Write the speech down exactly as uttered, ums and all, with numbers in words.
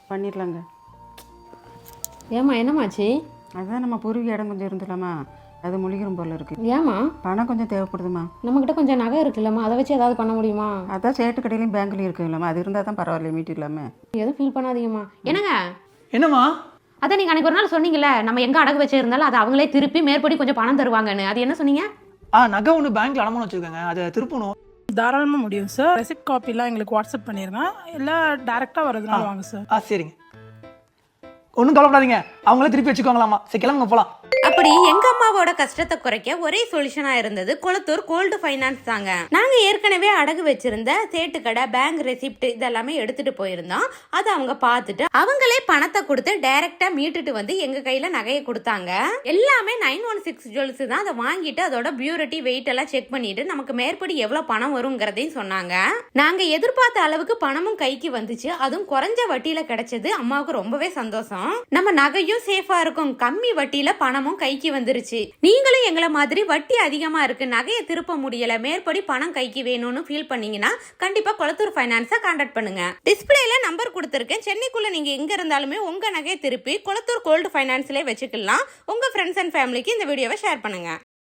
பண்ணிடலாங்க. ஏம்மா என்னம்மாச்சு? அதுதான் நம்ம பூர்வீக இடம் கொஞ்சம் இருந்துலாமா, அது முழிக்கிறோம் போல இருக்கு. ஏம்மா? பணம் கொஞ்சம் தேவைப்படுதுமா. நம்மக்கிட்ட கொஞ்சம் நகை இருக்குல்லம்மா, அதை வச்சு ஏதாவது பண்ண முடியுமா? அதான் சேட்டு கடையிலையும் பேங்க்லையும் இருக்கு இல்லைம்மா, அது இருந்தால் தான் பரவாயில்ல, மீட்டு இல்லாமல். எதுவும் ஃபீல் பண்ணாதீங்கம்மா. என்னங்க? என்னம்மா? அதான் நீங்கள் அன்றைக்கி ஒரு நாள் சொன்னீங்கல்ல, நம்ம எங்கே அடகு வச்சிருந்தாலும் அதை அவங்களே திருப்பி மேற்படி கொஞ்சம் பணம் தருவாங்கன்னு, அது என்ன சொன்னீங்க? ஆ நகை ஒன்று பேங்க்ல அடமானம் வச்சுருக்காங்க, அதை திருப்பணும். தாராளமாக முடியும் சார். ரெசிப்ட் காப்பிலாம் எங்களுக்கு வாட்ஸ்அப் பண்ணிடுங்க, இல்லை டேரெக்டாக வரதுனால வாங்க சார். ஆ சரிங்க, ஒன்றும் கவலைப்படாதீங்க, அவங்களே திருப்பி வச்சுக்கோங்களாமா. சரி கிளம்புங்க போகலாம். அப்படி எங்க அம்மாவோட கஷ்டத்தை குறைக்க ஒரே சொல்யூஷனா இருந்தது கொளத்தூர் கோல்டு ஃபைனான்ஸ் தாங்க. நாங்க ஏற்கனவே அடகு வச்சிருந்த சேட்டு கடை, பேங்க் ரெசிப்ட் இதெல்லாமே எடுத்துட்டு போயிருந்தோம். அதை அவங்க பார்த்துட்டு அவங்களே பணத்தை கொடுத்து டைரக்டா மீட்டுட்டு வந்து எங்க கையில நகையை கொடுத்தாங்க. எல்லாமே நைன் ஒன் சிக்ஸ் ஜுவல்ஸ் தான். அதை வாங்கிட்டு அதோட பியூரிட்டி, வெயிட் எல்லாம் செக் பண்ணிட்டு நமக்கு மேற்படி எவ்வளவு பணம் வருங்கிறதையும் சொன்னாங்க. நாங்க எதிர்பார்த்த அளவுக்கு பணமும் கைக்கு வந்துச்சு, அதுவும் குறைஞ்ச வட்டியில கிடைச்சது. அம்மாவுக்கு ரொம்பவே சந்தோஷம். நம்ம நகையும் சேஃபா இருக்கும், கம்மி வட்டியில பணமும் கைக்கு வந்துருச்சு. நீங்களும் எங்களை மாதிரி வட்டி அதிகமா இருக்கு, நகையை திருப்ப முடியல, மேற்படி பணம் கைக்கு வேணும்னு ஃபீல் பண்ணீங்கன்னா கண்டிப்பா கொளத்தூர் ஃபைனான்ஸை கான்டாக்ட் பண்ணுங்க. டிஸ்பிளேல நம்பர் கொடுத்திருக்கேன். சென்னைக்குள்ள நீங்க எங்க இருந்தாலுமே உங்க நகையை திருப்பி கொளத்தூர் கோல்டு ஃபைனான்ஸ்லயே வச்சுக்கலாம். உங்க ஃப்ரெண்ட்ஸ் அண்ட் ஃபேமிலிக்கு இந்த வீடியோவை ஷேர் பண்ணுங்க.